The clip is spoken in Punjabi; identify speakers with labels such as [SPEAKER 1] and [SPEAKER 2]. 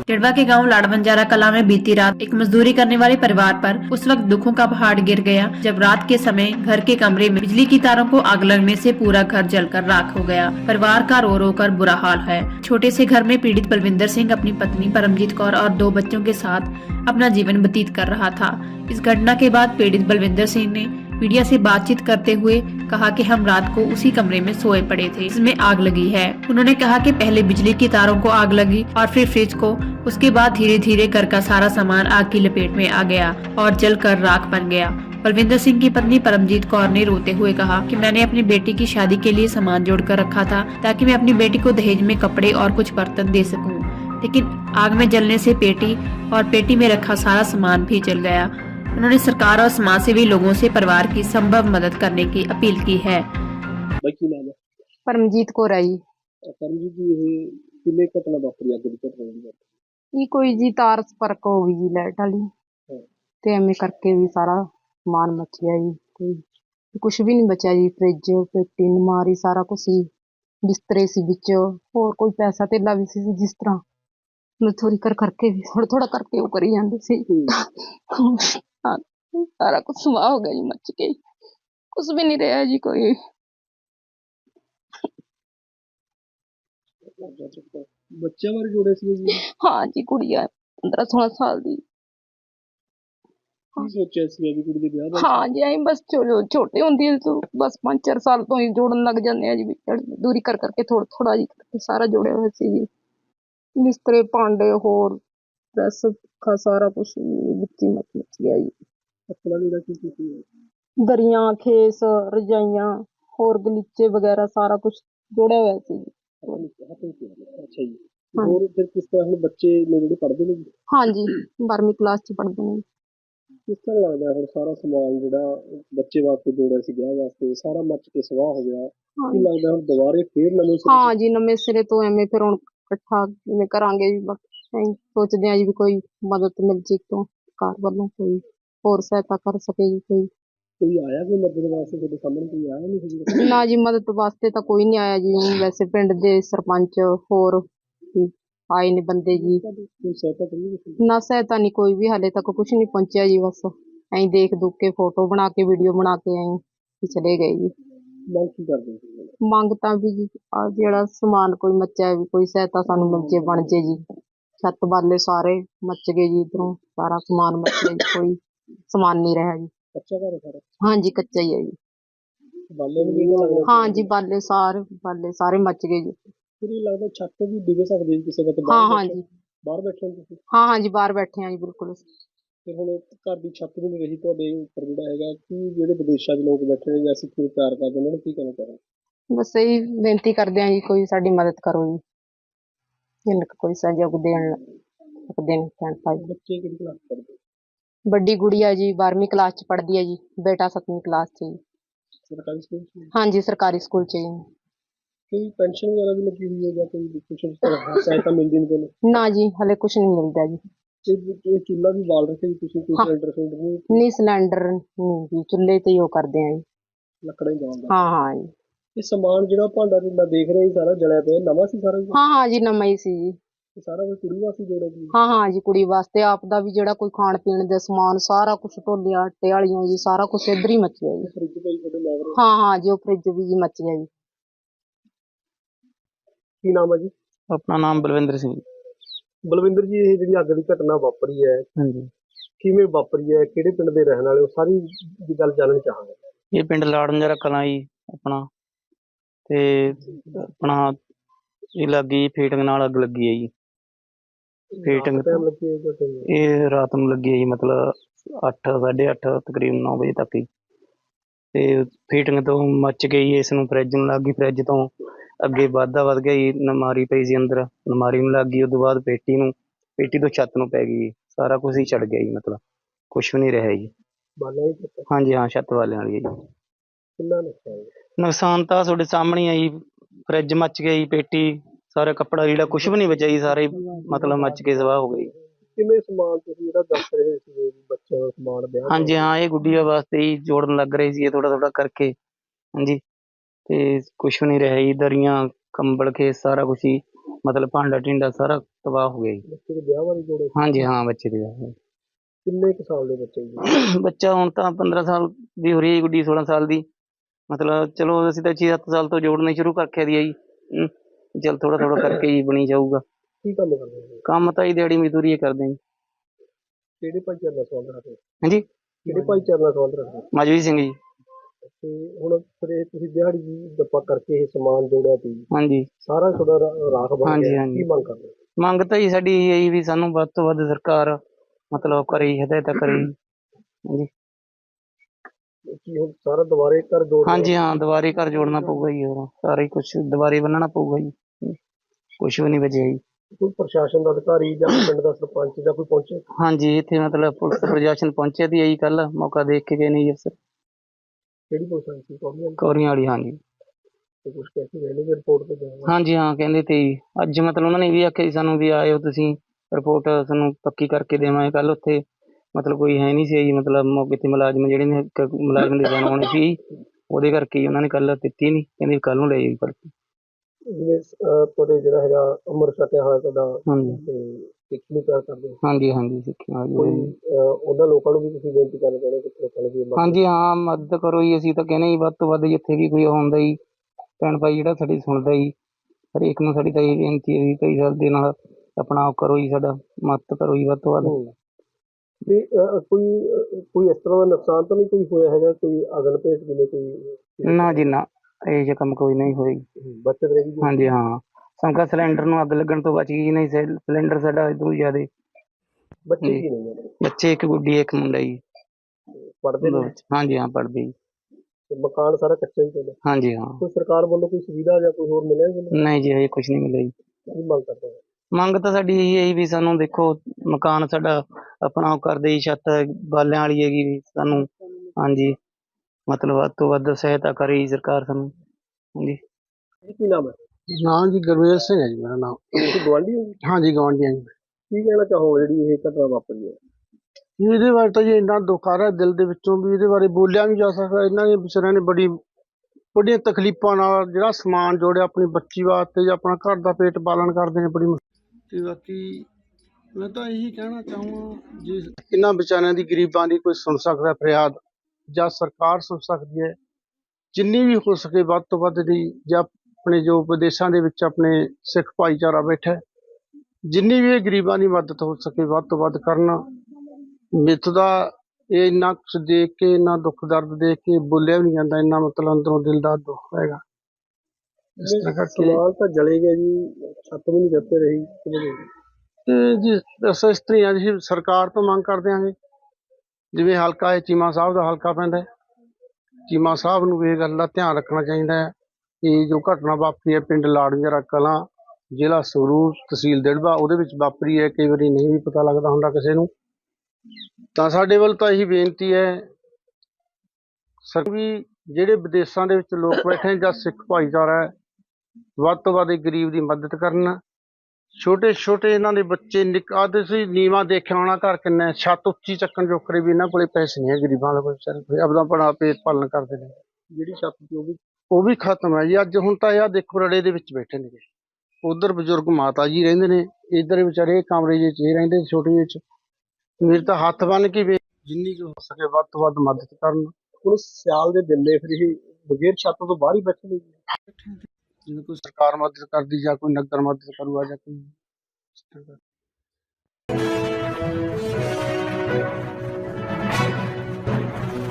[SPEAKER 1] टिड़वा के गांव लाड़बंजारा कला में बीती रात एक मजदूरी करने वाले परिवार पर उस वक्त दुखों का पहाड़ गिर गया जब रात के समय घर के कमरे में बिजली की तारों को आग लगने से पूरा घर जलकर राख हो गया। परिवार का रो रो कर बुरा हाल है। छोटे से घर में पीड़ित बलविंदर सिंह अपनी पत्नी परमजीत कौर और 2 बच्चों के साथ अपना जीवन व्यतीत कर रहा था। इस घटना के बाद पीड़ित बलविंदर सिंह ने मीडिया से बातचीत करते हुए कहा कि हम रात को उसी कमरे में सोए पड़े थे जिसमें आग लगी है। उन्होंने कहा कि पहले बिजली की तारों को आग लगी और फिर फ्रिज को, उसके बाद धीरे धीरे घर का सारा सामान आग की लपेट में आ गया और जलकर राख बन गया। बलविंदर सिंह की पत्नी परमजीत कौर ने रोते हुए कहा कि मैंने अपनी बेटी की शादी के लिए सामान जोड़कर रखा था ताकि मैं अपनी बेटी को दहेज में कपड़े और कुछ बर्तन दे सकूं, लेकिन आग में जलने से पेटी में रखा सारा सामान भी जल गया। उन्होंने सरकार और समाज सेवी लोगों से परिवार की संभव मदद करने की अपील की है।
[SPEAKER 2] परमजीत कौर है जी।
[SPEAKER 3] परमजीत जी ਇਹ ਕਿੰਨੇ ਘਟਨਾ ਵਾਪਰੀ ਅੱਗ ਦੀ ਘਟਨਾ ਦੀ?
[SPEAKER 2] ये कोई जी तार स्पर्क हो गई जी लाइट वाली ते एवें करके भी सारा समान मच गया जी। कोई कुछ भी नहीं बचा जी, फ्रिज पेटी अलमारी सारा कुछ ही, बिस्तरे सी विच होर कोई पैसा धेला भी सी जिस तरह थोड़ी करके भी थोड़ा थोड़ा करके वो करी जांदे सी। हाँ, सारा कुछ सुहा हो गया जी, मच के कुछ भी नहीं रहा जी। कोई
[SPEAKER 3] ਬੱਚਿਆਂ ਬਾਰੇ ਜੋੜੇ ਸੀ ਜੀ?
[SPEAKER 2] हाँ जी, कुड़िया 15-16 साल दी।
[SPEAKER 3] ਕੀ ਸੋਚਿਆ ਸੀ ਜੀ ਕੁੜੀ ਦੇ ਵਿਆਹ ਦਾ?
[SPEAKER 2] हाँ जी, ਅਸੀਂ बस छोटे ਹੁੰਦੇ तो बस 5-4 साल तो ही जोड़न लग जाते हैं जी, दूरी कर करके थोड़ा थोड़ा जी करके सारा जोड़िया हुआ सी जी। बिस्तरे भांडे होर प्रेस का सारा कुछ विच ही मच गया जी।
[SPEAKER 3] ਕੱਪੜਾ ਲੀੜਾ ਕੀ ਕੀਤੀ ਹੈ?
[SPEAKER 2] दरियां खेस रजाइयां होर गलीचे वगैरह सारा कुछ जोड़िया हुआ सी जी।
[SPEAKER 3] ਅੱਛਾ ਜੀ, ਹੋਰ ਫਿਰ ਕਿਸ ਤਰ੍ਹਾਂ ਹੁਣ ਬੱਚੇ ਨੇ ਜਿਹੜੇ ਪੜ੍ਹਦੇ ਨੇ ਜੀ?
[SPEAKER 2] हाँ जी, 12वीं क्लास च पढ़ते हैं।
[SPEAKER 3] ਕਿਸ ਤਰ੍ਹਾਂ ਲੱਗਦਾ ਹੁਣ ਸਾਰਾ ਸਮਾਨ ਜਿਹੜਾ ਬੱਚੇ ਵਾਸਤੇ ਜੋੜਿਆ ਸੀ ਵਿਆਹ ਵਾਸਤੇ ਸਾਰਾ ਮੱਚ ਕੇ ਸਵਾਹ ਹੋ ਗਿਆ?
[SPEAKER 2] हाँ
[SPEAKER 3] ਕੀ ਲੱਗਦਾ ਹੁਣ ਦੁਬਾਰੇ ਫੇਰ ਨਵੇਂ ਸਿਰੇ
[SPEAKER 2] हाँ जी, नਵੇਂ सिरे तो एवें फिर हुण इकट्ठा किवें करांगे जी। बाकी ਅਸੀਂ सोचदे हां जी भी कोई मदद मिल जे तो सरकार ਵੱਲੋਂ कोई होर सहायता कर सके जी।
[SPEAKER 3] ਕੋਈ ਆਇਆ ਕੋਈ ਮਦਦ ਵਾਸਤੇ ਤੁਹਾਡੇ ਸਾਹਮਣੇ ਕੋਈ ਆਇਆ ਨਹੀਂ ਹਜੇ?
[SPEAKER 2] ना जी, मदद वास्ते तो कोई नहीं आया जी। वैसे पिंड दे सरपंच होर आए ने बंदे जी,
[SPEAKER 3] ਕੋਈ ਸਹਾਇਤਾ ਕਰੀ ਨਹੀਂ?
[SPEAKER 2] ना सहायता नहीं कोई भी, हाले तक कुछ नहीं पहुंचा जी। बस ਅਸੀਂ देख दुख के फोटो बना के वीडियो बना के ਅਸੀਂ चले गए जी।
[SPEAKER 3] ਮੰਗ ਕੀ ਕਰਦੇ ਹੋ?
[SPEAKER 2] ਮੰਗ ਤਾਂ ਵੀ ਜੀ ਆ ਜਿਹੜਾ ਸਮਾਨ ਕੋਈ ਮੱਚਿਆ ਵੀ ਕੋਈ ਸਹਾਇਤਾ ਸਾਨੂੰ ਮਿਲ ਜੇ, ਬਣ ਜੇ ਜੀ। ਛੱਤ ਬਾਲੇ ਸਾਰੇ ਮੱਚ ਗਏ ਜੀ, ਇਧਰੋਂ ਸਾਰਾ ਸਮਾਨ ਮੱਚ ਗਿਆ ਜੀ, ਕੋਈ ਸਮਾਨ ਨਹੀਂ ਰਿਹਾ ਜੀ।
[SPEAKER 3] ਕੱਚਾ ਘਰ ਹੈ ਸਾਰਾ?
[SPEAKER 2] ਹਾਂਜੀ, ਕੱਚਾ ਹੀ ਹੈ ਜੀ।
[SPEAKER 3] ਬਾਲੇ ਨੂੰ ਵੀ ਨਹੀਂ ਲੱਗਦਾ?
[SPEAKER 2] ਹਾਂ ਜੀ, ਬਾਲੇ ਸਾਰੇ ਮੱਚ ਗਏ ਜੀ।
[SPEAKER 3] ਫਿਰ ਇਹ ਲੱਗਦਾ ਛੱਤ ਵੀ ਡਿੱਗ ਸਕਦੀ ਹੈ ਕਿਸੇ ਵਕਤ।
[SPEAKER 2] ਹਾਂ ਜੀ,
[SPEAKER 3] ਬਾਹਰ ਬੈਠੇ ਹੋ ਤੁਸੀਂ?
[SPEAKER 2] ਹਾਂ ਜੀ, ਬਾਹਰ ਬੈਠੇ ਹਾਂ ਜੀ, ਬਿਲਕੁਲ।
[SPEAKER 3] ਤੇ ਹੁਣ ਘਰ ਦੀ ਛੱਤ ਵੀ ਨਹੀਂ ਰਹੀ ਤੁਹਾਡੇ ਉੱਪਰ ਜਿਹੜਾ ਹੈਗਾ, ਕਿ ਜਿਹੜੇ ਵਿਦੇਸ਼ਾਂ 'ਚ ਲੋਕ ਬੈਠੇ ਨੇ ਜਾਂ ਸਿੱਖੀ ਪਿਆਰ ਕਰਦੇ ਉਹਨਾਂ ਨੂੰ ਕੀ ਕਹਿਣਾ ਚਾਹੁੰਦੇ?
[SPEAKER 2] ਬਸ ਇਹੀ ਬੇਨਤੀ ਕਰਦੇ ਹਾਂ ਜੀ, ਕੋਈ ਸਾਡੀ ਮਦਦ ਕਰੋ ਜੀ, ਜਿੰਨਾ ਕੁ ਕੋਈ ਸਹਿਯੋਗ ਦੇਣ ਸਕਦੇ ਨੇ ਸੰਸਥਾ ਜੀ।
[SPEAKER 3] ਬੱਚੇ ਕਿਹੜੀ ਕਲਾਸ ਪੜ੍ਹਦੇ?
[SPEAKER 2] ਵੱਡੀ ਗੁੜੀਆ ਜੀ 12ਵੀਂ ਕਲਾਸ ਚ ਪੜ੍ਹਦੀ ਹੈ ਜੀ, ਬੇਟਾ 7ਵੀਂ ਕਲਾਸ ਚ ਜੀ।
[SPEAKER 3] ਸਰਕਾਰੀ ਸਕੂਲ 'ਚ?
[SPEAKER 2] ਹਾਂਜੀ, ਸਰਕਾਰੀ ਸਕੂਲ ਚ ਜੀ।
[SPEAKER 3] ਕੋਈ ਪੈਨਸ਼ਨ ਵਗੈਰਾ ਵੀ ਲੱਗੀ ਹੋਈ ਹੈ ਜਾਂ ਕੋਈ ਕੁਛ ਇਸ ਤਰ੍ਹਾਂ ਸਹਾਇਤਾ ਮਿਲਦੀ ਨਹੀਂ ਤੁਹਾਨੂੰ?
[SPEAKER 2] ਨਾ ਜੀ, ਹਲੇ ਕੁਛ ਨਹੀਂ ਮਿਲਦਾ ਜੀ।
[SPEAKER 3] ਇਹ ਚੁੱਲ੍ਹਾ ਵੀ ਬਾਲ ਰੱਖਿਆ ਜੀ ਤੁਸੀਂ? ਕੋਈ ਸਿਲੰਡਰ ਨਹੀਂ?
[SPEAKER 2] ਨਹੀਂ, ਸਿਲੰਡਰ ਨਹੀਂ ਜੀ, ਚੁੱਲ੍ਹੇ ਤੇ ਹੀ ਉਹ ਕਰਦੇ ਆ ਜੀ।
[SPEAKER 3] ਲੱਕੜਾਂ ਹੀ ਜਾਣਦਾ?
[SPEAKER 2] ਹਾਂ ਜੀ।
[SPEAKER 3] ਇਹ ਸਮਾਨ ਜਿਹੜਾ ਭਾਂਡਾ ਢਿੰਡਾ ਦੇਖ ਰਹੇ ਸਾਰਾ ਜਲਿਆ ਪਿਆ, ਨਵਾਂ ਸੀ ਸਾਰਾ?
[SPEAKER 2] ਹਾਂ ਜੀ, ਨਵਾਂ ਹੀ ਸੀ ਜੀ।
[SPEAKER 3] ਸਾਰਾ ਕੋਈ ਕੁੜੀ ਵਾਸਤੇ ਜੋੜਿਆ ਜੀ?
[SPEAKER 2] ਹਾਂ ਜੀ, ਕੁੜੀ ਵਾਸਤੇ। ਆਪ ਦਾ ਵੀ ਜਿਹੜਾ ਕੋਈ ਖਾਣ ਪੀਣ ਦਾ ਸਮਾਨ ਸਾਰਾ ਕੁਛ, ਢੋਲੀਆਂ ਆਟੇ ਵਾਲੀਆਂ ਜੀ, ਸਾਰਾ ਕੁਛ ਇੱਧਰ ਹੀ ਮੱਚ ਗਿਆ ਜੀ।
[SPEAKER 3] ਫਰਿੱਜ ਪਈ ਤੁਹਾਡੇ ਮਗਰ?
[SPEAKER 2] ਹਾਂ ਜੀ, ਉਹ ਫਰਿੱਜ ਵੀ ਜੀ ਮੱਚ ਗਿਆ ਜੀ।
[SPEAKER 3] ਕੀ ਨਾਮ ਹੈ ਜੀ?
[SPEAKER 4] ਆਪਣਾ ਨਾਮ ਬਲਵਿੰਦਰ ਸਿੰਘ।
[SPEAKER 3] ਬਲਵਿੰਦਰ ਜੀ, ਇਹ ਜਿਹੜੀ ਅੱਗ ਦੀ ਘਟਨਾ ਵਾਪਰੀ ਹੈ,
[SPEAKER 4] ਹਾਂਜੀ,
[SPEAKER 3] ਕਿਵੇਂ ਵਾਪਰੀ ਹੈ, ਕਿਹੜੇ ਪਿੰਡ ਦੇ ਰਹਿਣ ਵਾਲੇ ਹੋ, ਸਾਰੀ ਦੀ ਗੱਲ ਜਾਣਨੀ ਚਾਹਾਂਗੇ।
[SPEAKER 4] ਇਹ ਪਿੰਡ ਲਾੜਨਜਾਰਾ ਕਲਾਂ ਜੀ ਆਪਣਾ, ਤੇ ਆਪਣਾ ਇਹ ਲੱਗੀ ਫੀਟਿੰਗ ਨਾਲ ਅੱਗ ਲੱਗੀ ਹੈ ਜੀ। ਫੀਟਿੰਗ
[SPEAKER 3] ਟਾਈਮ ਲੱਗੀ ਹੈ ਜਾਂ time?
[SPEAKER 4] ਇਹ ਰਾਤ ਨੂੰ ਲੱਗੀ ਹੈ ਜੀ, ਮਤਲਬ 8 8:30 ਤਕਰੀਬਨ 9 ਵਜੇ ਤੱਕ ਹੀ। ਤੇ ਫੀਟਿੰਗ ਤੋਂ ਮੱਚ ਗਈ, ਇਸ ਨੂੰ ਫਰਿੱਜ ਨੂੰ ਲੱਗ ਗਈ, ਫਰਿੱਜ ਤੋਂ ਅੱਗੇ ਵੱਧਦਾ ਵੱਧ ਗਿਆ ਜੀ। ਨਮਾਰੀ ਪਈ ਸੀ ਅੰਦਰ, ਨਮਾਰੀ ਨੂੰ ਲੱਗ ਗਈ, ਉਸ ਤੋਂ ਬਾਅਦ ਪੇਟੀ ਤੋਂ ਛੱਤ ਨੂੰ ਪੈ ਗਈ, ਸਾਰਾ ਕੁਝ ਹੀ ਚੜ ਗਿਆ ਜੀ, ਮਤਲਬ ਕੁਛ ਵੀ ਨਹੀਂ ਰਿਹਾ ਜੀ।
[SPEAKER 3] ਬਾਲਿਆਂ ਹੀ ਪਤਾ?
[SPEAKER 4] ਹਾਂਜੀ ਹਾਂ, ਛੱਤ ਵਾਲਿਆਂ ਵਾਲੀ ਹੈ ਜੀ।
[SPEAKER 3] ਕਿੰਨਾ ਨੁਕਸਾਨ?
[SPEAKER 4] ਨੁਕਸਾਨ ਤਾਂ ਤੁਹਾਡੇ ਸਾਹਮਣੇ ਆ ਜੀ, ਫਰਿੱਜ ਮੱਚ ਗਿਆ ਜੀ, ਪੇਟੀ, ਸਾਰਾ ਕੱਪੜਾ ਲੀੜਾ ਕੁਛ ਵੀ ਨਹੀਂ ਬਚਿਆ ਜੀ, ਸਾਰੇ ਮਤਲਬ ਮੱਚ ਕੇ ਸਵਾਹ ਹੋ ਗਈ।
[SPEAKER 3] ਕਿਵੇਂ ਸਮਾਨ ਤੁਸੀਂ ਜਿਹੜਾ ਦੱਸ ਰਹੇ ਸੀ ਬੱਚਿਆਂ ਦਾ ਸਮਾਨ ਵਿਆਹ?
[SPEAKER 4] ਹਾਂਜੀ ਹਾਂ, ਇਹ ਗੁੱਡੀਆਂ ਵਾਸਤੇ ਹੀ ਜੋੜਨ ਲੱਗ ਰਹੇ ਸੀ ਥੋੜਾ ਥੋੜਾ ਕਰਕੇ। ਹਾਂਜੀ, ਤੇ ਕੁਛ ਵੀ ਨਹੀਂ ਰਿਹਾ ਜੀ, ਦਰੀਆਂ ਕੰਬਲ ਖੇਸ ਸਾਰਾ ਕੁਛ ਹੀ, ਮਤਲਬ ਭਾਂਡਾ ਢਿੰਡਾ ਸਾਰਾ ਤਬਾਹ ਹੋ ਗਿਆ ਜੀ।
[SPEAKER 3] ਬੱਚੇ ਦੇ ਵਿਆਹ ਬਾਰੇ ਜੋੜੇ
[SPEAKER 4] ਹਾਂਜੀ ਹਾਂ, ਬੱਚੇ ਦੇ ਵਿਆਹ।
[SPEAKER 3] ਕਿੰਨੇ ਕੁ ਸਾਲ ਦੇ ਬੱਚੇ ਜੀ?
[SPEAKER 4] ਬੱਚਾ ਹੁਣ ਤਾਂ 15 ਸਾਲ ਦੀ ਹੋ ਰਹੀ ਹੈ, ਗੁੱਡੀ 16 ਸਾਲ ਦੀ। ਮਤਲਬ ਚਲੋ ਅਸੀਂ ਤਾਂ 6-7 ਸਾਲ ਤੋਂ ਜੋੜਨਾ ਸ਼ੁਰੂ ਕਰਕੇ ਦੀ ਆ ਜੀ। ਚੱਲ ਥੋੜਾ ਥੋੜਾ ਕਰਕੇ ਹੀ ਬਣੀ ਜਾਊਗਾ।
[SPEAKER 3] ਕੀ ਕੰਮ ਕਰਦੇ ਹੋ?
[SPEAKER 4] ਕੰਮ ਤਾਂ ਹੀ ਦਿਹਾੜੀ ਮਜ਼ਦੂਰੀ ਹੀ ਕਰਦੇ ਹਾਂ ਜੀ।
[SPEAKER 3] ਕਿਹੜੇ ਭਾਈਚਾਰੇ ਨਾਲ ਸੰਬੰਧ ਰੱਖਦੇ ਹੋ?
[SPEAKER 4] ਹਾਂਜੀ,
[SPEAKER 3] ਕਿਹੜੇ ਭਾਈਚਾਰੇ ਨਾਲ ਸੰਬੰਧ ਰੱਖਦੇ ਹੋ?
[SPEAKER 4] ਮਜਵੀ ਸਿੰਘ ਜੀ।
[SPEAKER 3] ਤੇ ਹੁਣ ਫਿਰ ਇਹ ਤੁਸੀਂ ਦਿਹਾੜੀ ਦੀ ਦੱਪਾ ਕਰਕੇ ਇਹ ਸਮਾਨ ਜੋੜਿਆ ਸੀ,
[SPEAKER 4] ਹਾਂਜੀ
[SPEAKER 3] ਸਾਰਾ ਤੁਹਾਡਾ ਰਾਖ ਬਣ
[SPEAKER 4] ਹਾਂਜੀ
[SPEAKER 3] ਗਿਆ,
[SPEAKER 4] ਹਾਂਜੀ।
[SPEAKER 3] ਕੀ ਮੰਗ ਕਰਦੇ ਹੋ?
[SPEAKER 4] ਮੰਗ ਤਾਂ ਜੀ ਸਾਡੀ ਇਹੀ ਹੈ ਜੀ ਵੀ ਸਾਨੂੰ ਵੱਧ ਤੋਂ ਵੱਧ ਸਰਕਾਰ ਮਤਲਬ ਕਰੇ, ਹਦਾਇਤਾਂ ਕਰੇ ਜੀ। ਹਾਂਜੀ
[SPEAKER 3] ਕੀ ਹੁਣ ਸਾਰਾ ਦੁਬਾਰੇ ਘਰ ਜੋੜਨਾ?
[SPEAKER 4] ਹਾਂਜੀ ਹਾਂ, ਦੁਬਾਰੇ ਘਰ ਜੋੜਨਾ ਪਊਗਾ ਜੀ। ਹੋਰ ਸਾਰਾ ਹੀ ਕੁਛ ਦੁਬਾਰੇ ਬੰਨਣਾ ਪਊਗਾ ਜੀ, ਕੁਛ ਵੀ ਨਹੀਂ ਬਚਿਆ ਜੀ।
[SPEAKER 3] ਕੋਈ ਪ੍ਰਸ਼ਾਸਨ ਦਾ ਅਧਿਕਾਰੀ ਜਾਂ ਪਿੰਡ ਦਾ ਸਰਪੰਚ ਜਾਂ ਕੋਈ ਪਹੁੰਚੇ?
[SPEAKER 4] ਹਾਂਜੀ, ਇੱਥੇ ਮਤਲਬ ਪੁਲਿਸ ਪ੍ਰਸ਼ਾਸਨ ਪਹੁੰਚਿਆ ਤੀ ਜੀ ਕੱਲ, ਮੌਕਾ ਦੇਖ ਕੇ ਗਏ ਨੇ ਜੀ ਅਫਸਰ।
[SPEAKER 3] ਕਿਹੜੀ ਪੁਲਿਸ ਆਈ ਸੀ? ਕੌਣ?
[SPEAKER 4] ਕੌਰੀਆਂ ਵਾਲੀ। ਹਾਂਜੀ
[SPEAKER 3] ਤੇ ਕੁਛ ਕਹਿ ਰਹੇ ਨੇ ਰਿਪੋਰਟ ਤੇ ਗਏ?
[SPEAKER 4] ਹਾਂਜੀ ਹਾਂ, ਕਹਿੰਦੇ ਤੇ ਜੀ ਅੱਜ ਮਤਲਬ ਉਹਨਾਂ ਨੇ ਵੀ ਆਖਿਆ ਜੀ ਸਾਨੂੰ ਵੀ ਆਇਓ ਤੁਸੀਂ, ਰਿਪੋਰਟ ਤੁਹਾਨੂੰ ਪੱਕੀ ਕਰਕੇ ਦੇਵਾਂਗੇ। ਕੱਲ ਉੱਥੇ ਮਤਲਬ ਕੋਈ ਹੈ ਨਹੀਂ ਸੀ ਜੀ, ਮਤਲਬ ਮੌਕੇ ਤੇ ਮੁਲਾਜ਼ਮ ਜਿਹੜੇ ਨੇ ਮੁਲਾਜ਼ਮ ਦੇ ਜਾਣ ਆਉਣੇ ਸੀ, ਉਹਦੇ ਕਰਕੇ ਉਹਨਾਂ ਨੇ ਕੱਲ ਦਿੱਤੀ ਨਹੀਂ, ਕਹਿੰਦੇ ਕੱਲ ਨੂੰ ਲੈ ਜਾਈ ਪਰਚੀ।
[SPEAKER 3] ਜਿਵੇਂ ਤੁਹਾਡੇ ਜਿਹੜਾ ਹੈਗਾ ਉਮਰ ਛੱਟਿਆ ਹੋਇਆ ਤੁਹਾਡਾ,
[SPEAKER 4] ਹਾਂਜੀ
[SPEAKER 3] ਤੇ ਸਿੱਖ ਨੂੰ ਪਿਆਰ ਕਰਦੇ ਹੋ,
[SPEAKER 4] ਹਾਂਜੀ ਹਾਂਜੀ, ਸਿੱਖਿਆ
[SPEAKER 3] ਕੋਈ
[SPEAKER 4] ਜੀ।
[SPEAKER 3] ਉਹਨਾਂ ਲੋਕਾਂ ਨੂੰ ਵੀ ਤੁਸੀਂ ਬੇਨਤੀ ਕਰਨਾ ਚਾਹੁੰਦੇ ਹੋ ਕਿ ਲੋਕਾਂ ਨੂੰ ਵੀ ਮਦਦ
[SPEAKER 4] ਹਾਂਜੀ ਹਾਂ, ਮਦਦ ਕਰੋ ਜੀ। ਅਸੀਂ ਤਾਂ ਕਹਿੰਦੇ ਜੀ ਵੱਧ ਤੋਂ ਵੱਧ ਜਿੱਥੇ ਵੀ ਕੋਈ ਹੁੰਦਾ ਜੀ ਭੈਣ ਭਾਈ ਜਿਹੜਾ ਸਾਡੀ ਸੁਣਦਾ ਜੀ, ਹਰੇਕ ਨੂੰ ਸਾਡੀ ਤਾਂ ਇਹ ਬੇਨਤੀ ਹੈ ਜੀ, ਕਈ ਸਾਲ ਦੇ ਨਾਲ ਆਪਣਾ ਉਹ ਕਰੋ ਜੀ, ਸਾਡਾ ਮਦਦ ਕਰੋ ਜੀ ਵੱਧ ਤੋਂ ਵੱਧ।
[SPEAKER 3] ਤੇ ਕੋਈ ਇਸ ਤਰ੍ਹਾਂ ਦਾ ਨੁਕਸਾਨ ਤਾਂ ਨਹੀਂ ਕੋਈ ਹੋਇਆ ਹੈਗਾ, ਕੋਈ ਅਗਨ ਭੇਟ ਜਿਵੇਂ ਕੋਈ?
[SPEAKER 4] ਨਾ ਜੀ ਨਾ, ਇਹ ਜਿਹਾ ਕੰਮ ਕੋਈ ਨਹੀਂ ਹੋਏਗੀ।
[SPEAKER 3] ਬੱਚਤ ਰਹੇਗੀ ਜੀ?
[SPEAKER 4] ਹਾਂਜੀ ਹਾਂ, ਸੰਕਾ ਸਿਲੰਡਰ ਨੂੰ ਅੱਗ ਲੱਗਣ ਤੋਂ ਬਚ ਗਈ ਨਹੀਂ, ਸਿਲੰਡਰ ਸਾਡਾ ਇਦੋਂ ਜ਼ਿਆਦਾ।
[SPEAKER 3] ਬੱਚੇ
[SPEAKER 4] ਜੀ।
[SPEAKER 3] ਕੀ ਨਹੀਂ ਜਾਂਦੇ?
[SPEAKER 4] ਬੱਚੇ ਇੱਕ ਗੁੱਡੀ ਇੱਕ ਮੁੰਡਾ ਜੀ।
[SPEAKER 3] ਪੜ੍ਹਦੇ ਨੇ?
[SPEAKER 4] ਹਾਂਜੀ ਹਾਂ, ਪੜ੍ਹਦੇ ਜੀ।
[SPEAKER 3] ਤੇ ਮਕਾਨ ਸਾਰਾ ਕੱਚਾ ਹੀ ਤੁਹਾਡਾ?
[SPEAKER 4] ਹਾਂਜੀ ਹਾਂ।
[SPEAKER 3] ਕੋਈ ਸਰਕਾਰ ਵੱਲੋਂ ਕੋਈ ਸੁਵਿਧਾ ਜਾਂ ਕੋਈ ਹੋਰ ਮਿਲਿਆ ਜੀ?
[SPEAKER 4] ਨਹੀਂ ਜੀ, ਹਜੇ ਕੁਛ ਨਹੀਂ ਮਿਲਿਆ ਜੀ।
[SPEAKER 3] ਕੀ ਮੰਗ ਕਰਦੇ ਹੋ?
[SPEAKER 4] ਮੰਗ ਤਾਂ ਸਾਡੀ ਇਹੀ ਹੈ ਜੀ ਵੀ ਸਾਨੂੰ ਦੇਖੋ ਮਕਾਨ ਸਾਡਾ ਆਪਣਾ ਉਹ ਕਰਦੇ ਜੀ, ਛੱਤ ਬਾਲਿਆਂ ਵਾਲੀ ਹੈਗੀ ਵੀ ਸਾਨੂੰ। ਹਾਂਜੀ, ਮਤਲਬ ਵੱਧ ਤੋਂ ਵੱਧ ਸਹਾਇਤਾ ਕਰੇ ਜੀ ਸਰਕਾਰ ਸਾਨੂੰ। ਹਾਂਜੀ।
[SPEAKER 3] ਕੀ ਨਾਮ ਹੈ?
[SPEAKER 5] ਨਾਮ ਜੀ ਗੁਰਵੇਲ ਸਿੰਘ ਹੈ ਜੀ ਮੇਰਾ ਨਾਮ।
[SPEAKER 3] ਤੁਸੀਂ ਗੁਆਂਢੀ ਹੋ ਜੀ?
[SPEAKER 5] ਹਾਂਜੀ ਗੁਆਂਢੀ ਹਾਂ ਜੀ।
[SPEAKER 3] ਕੀ ਕਹਿਣਾ ਚਾਹੋਗੇ ਜਿਹੜੀ ਇਹ ਘਟਨਾ ਵਾਪਰੀ ਹੈ?
[SPEAKER 5] ਇਹਦੇ ਬਾਰੇ ਤਾਂ ਜੀ ਇੰਨਾ ਦੁੱਖ ਆ ਰਿਹਾ ਦਿਲ ਦੇ ਵਿੱਚੋਂ ਵੀ ਇਹਦੇ ਬਾਰੇ ਬੋਲਿਆ ਨਹੀਂ ਜਾ ਸਕਦਾ। ਇਹਨਾਂ ਦੇ ਵਿਚਾਰਿਆਂ ਨੇ ਬੜੀਆਂ ਤਕਲੀਫਾਂ ਨਾਲ ਜਿਹੜਾ ਸਮਾਨ ਜੋੜਿਆ ਆਪਣੀ ਬੱਚੀ ਵਾਸਤੇ ਜਾਂ ਆਪਣਾ ਘਰ ਦਾ ਪੇਟ ਪਾਲਣ ਕਰਦੇ ਨੇ ਬੜੀ ਤੇ ਬਾਕੀ ਮੈਂ ਤਾਂ ਇਹੀ ਕਹਿਣਾ ਚਾਹੂੰਗਾ ਜੀ, ਇਹਨਾਂ ਵਿਚਾਰਿਆਂ ਦੀ ਗਰੀਬਾਂ ਦੀ ਕੋਈ ਸੁਣ ਸਕਦਾ ਫਰਿਆਦ ਜਾਂ ਸਰਕਾਰ ਸੁਣ ਸਕਦੀ ਹੈ, ਜਿੰਨੀ ਵੀ ਹੋ ਸਕੇ ਵੱਧ ਤੋਂ ਵੱਧ ਦੀ, ਜਾਂ ਆਪਣੇ ਜੋ ਵਿਦੇਸ਼ਾਂ ਦੇ ਵਿੱਚ ਆਪਣੇ ਸਿੱਖ ਭਾਈਚਾਰਾ ਬੈਠਾ ਹੈ, ਜਿੰਨੀ ਵੀ ਇਹ ਗਰੀਬਾਂ ਦੀ ਮਦਦ ਹੋ ਸਕੇ ਵੱਧ ਤੋਂ ਵੱਧ ਕਰਨ। ਮਿੱਥ ਦਾ ਇਹ ਇੰਨਾ ਕੁਛ ਦੇਖ ਕੇ, ਇੰਨਾ ਦੁੱਖ ਦਰਦ ਦੇਖ ਕੇ ਬੋਲਿਆ ਵੀ ਨਹੀਂ ਜਾਂਦਾ, ਇੰਨਾ ਮਤਲਬ ਅੰਦਰੋਂ ਦਿਲ ਦਾ ਦੁੱਖ ਹੈਗਾ। ਇਸ ਤਰ੍ਹਾਂ ਕਰਕੇ
[SPEAKER 3] ਸਮਾਨ ਤਾਂ ਜਲੇ ਗਿਆ ਜੀ, ਛੱਤ ਵੀ ਨਹੀਂ ਜੱਤੇ ਰਹੀ।
[SPEAKER 5] ਤੇ ਜੀ ਅਸੀਂ ਇਸ ਤਰ੍ਹਾਂ ਜੀ ਸਰਕਾਰ ਤੋਂ ਮੰਗ ਕਰਦੇ ਹਾਂ, ਜਿਵੇਂ ਹਲਕਾ ਹੈ ਚੀਮਾ ਸਾਹਿਬ ਦਾ ਹਲਕਾ ਪੈਂਦਾ, ਚੀਮਾ ਸਾਹਿਬ ਨੂੰ ਇਹ ਗੱਲ ਦਾ ਧਿਆਨ ਰੱਖਣਾ ਚਾਹੀਦਾ ਹੈ ਕਿ ਜੋ ਘਟਨਾ ਵਾਪਰੀ ਹੈ ਪਿੰਡ ਲਾੜੀਆਂ ਕਲਾਂ, ਜ਼ਿਲ੍ਹਾ ਸੰਗਰੂਰ, ਤਹਿਸੀਲ ਦਿੜਬਾ, ਉਹਦੇ ਵਿੱਚ ਵਾਪਰੀ ਹੈ। ਕਈ ਵਾਰੀ ਨਹੀਂ ਵੀ ਪਤਾ ਲੱਗਦਾ ਹੁੰਦਾ ਕਿਸੇ ਨੂੰ, ਤਾਂ ਸਾਡੇ ਵੱਲ ਤਾਂ ਇਹੀ ਬੇਨਤੀ ਹੈ ਵੀ ਜਿਹੜੇ ਵਿਦੇਸ਼ਾਂ ਦੇ ਵਿੱਚ ਲੋਕ ਬੈਠੇ ਜਾਂ ਸਿੱਖ ਭਾਈਚਾਰਾ ਹੈ, ਵੱਧ ਤੋਂ ਵੱਧ ਗਰੀਬ ਦੀ ਮਦਦ ਕਰਨ। ਛੋਟੇ ਛੋਟੇ ਇਹਨਾਂ ਦੇ ਬੱਚੇ ਨਿੱਕਾ, ਤੁਸੀਂ ਨੀਵਾਂ ਦੇਖਿਆ ਹੋਣਾ ਘਰ ਕਿੰਨਾ, ਛੱਤ ਉੱਚੀ ਚੱਕਣ ਜੋਕਰੇ ਵੀ ਇਹਨਾਂ ਕੋਲੇ ਪੈਸੇ ਨਹੀਂ ਹੈ ਗਰੀਬਾਂ ਦੇ ਕੋਲ, ਵਿਚਾਰੇ ਆਪਣਾ ਬੜਾ ਪੇਟ ਪਾਲਣ ਕਰਦੇ ਨੇ।
[SPEAKER 3] ਜਿਹੜੀ ਛੱਤ ਸੀ
[SPEAKER 5] ਉਹ ਵੀ ਖਤਮ ਹੈ ਜੀ ਅੱਜ। ਹੁਣ ਤਾਂ ਇਹ ਦੇਖੋ ਰੜੇ ਦੇ ਵਿੱਚ ਬੈਠੇ ਨੇ, ਉਧਰ ਬਜ਼ੁਰਗ ਮਾਤਾ ਜੀ ਰਹਿੰਦੇ ਨੇ, ਇੱਧਰ ਵਿਚਾਰੇ ਕਮਰੇ ਜਿਹੇ 'ਚ ਇਹ ਰਹਿੰਦੇ ਛੋਟੇ ਜਿਹੇ 'ਚ। ਮੇਰੇ ਤਾਂ ਹੱਥ ਬੰਨ ਕੇ ਜਿੰਨੀ ਕੁ ਹੋ ਸਕੇ ਵੱਧ ਤੋਂ ਵੱਧ ਮਦਦ ਕਰਨ।
[SPEAKER 3] ਹੁਣ ਸਿਆਲ ਦੇ ਦਿਨ ਨੇ, ਫਿਰ ਇਹ ਬਗੈਰ ਛੱਤ ਤੋਂ ਬਾਹਰ ਹੀ ਬੈਠੇ ਨੇ ਜੀ।
[SPEAKER 5] ਜਿਵੇਂ ਕੋਈ ਸਰਕਾਰ ਮਦਦ ਕਰਦੀ ਜਾਂ ਕੋਈ ਨਗਰ ਮਦਦ ਕਰੂਗਾ ਜਾਂ ਕੋਈ